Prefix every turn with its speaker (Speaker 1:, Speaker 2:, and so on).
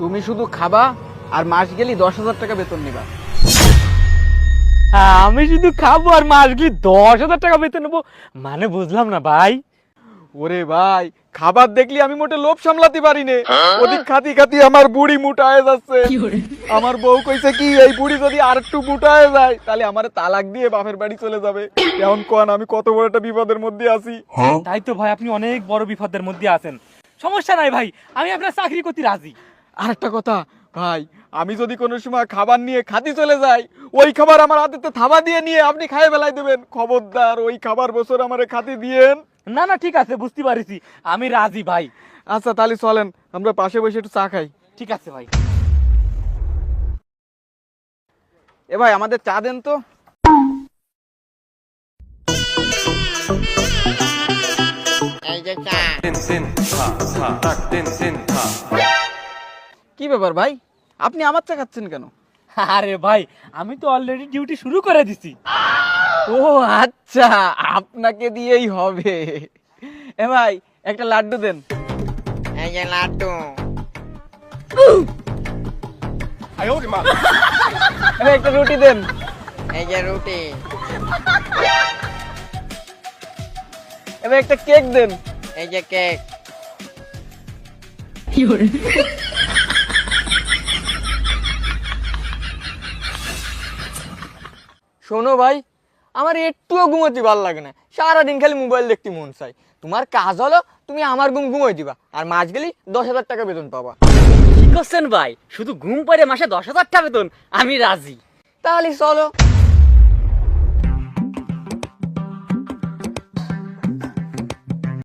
Speaker 1: তুমি শুধু খাবা আর মাস গেলি 10,000 টাকা বেতন নিবা।
Speaker 2: আমি শুধু খাবো আর মাস গেলে 10,000 টাকা বেতন নেবো, মানে বুঝলাম না ভাই।
Speaker 1: ওরে ভাই, খাবার দেখলি আমি মোটে লোভ সামলাতে পারি নে। ওদিক খাতি খাতি আমার বুড়ি মোটায় যাচ্ছে। আমার বউ কইছে কি, এই বুড়ি যদি আর একটু মোটায় যায় তাহলে আমারে তালাক দিয়ে বাপের বাড়ি চলে যাবে। এখন কোন আমি কত বড় একটা বিপদের মধ্যে আছি।
Speaker 2: তাই তো ভাই, আপনি অনেক বড় বিপদের মধ্যে আছেন। সমস্যা নাই ভাই, আমি আপনার চাকরি করতে রাজি।
Speaker 1: আর একটা কথা ভাই, আমি যদি কোনো সময় খাবার নিয়ে খাতি চলে যাই, ওই খাবার আমার হাতে থাবা দিয়ে নিয়ে আপনি খাইয়ে ফেলাই দেবেন। খবরদার ওই খাবার বছর আমারে খাতি দিয়েন।
Speaker 2: না না, ঠিক আছে, বুঝতে পারিছি, আমি রাজি ভাই।
Speaker 1: আচ্ছা তাহলে চলেন আমরা পাশে বসে একটু চা খাই।
Speaker 2: ঠিক আছে ভাই।
Speaker 1: এ ভাই আমাদের চা দেন তো।
Speaker 3: এই যে চা।
Speaker 1: কি ব্যাপার ভাই, আপনি আমার চা খাচ্ছেন কেন?
Speaker 2: আরে ভাই, আমি তো অলরেডি ডিউটি শুরু করে দিছি।
Speaker 1: ও আচ্ছা, আপনাকে দিয়েই হবে। এ ভাই একটা লাড্ডু দেন।
Speaker 3: এই যে লাড্ডু।
Speaker 1: এ ভাই একটা রুটি দেন।
Speaker 3: এই যে রুটি।
Speaker 1: এ ভাই একটা কেক দেন।
Speaker 3: এই যে কেক।
Speaker 4: শোনো ভাই, আমার একটুও ঘুমোতে ভালো লাগে না, সারাদিন খালি মোবাইল দেখতে মন চাই। তোমার কাজ হলো তুমি আমার ঘুম ঘুমোই দিবা, আর মাস গেলি 10,000 টাকা বেতন পাবা।
Speaker 5: কি করছেন ভাই, শুধু ঘুম পড়ে মাসে 10,000 টাকা বেতন? আমি রাজি।
Speaker 4: তাহলে চলো।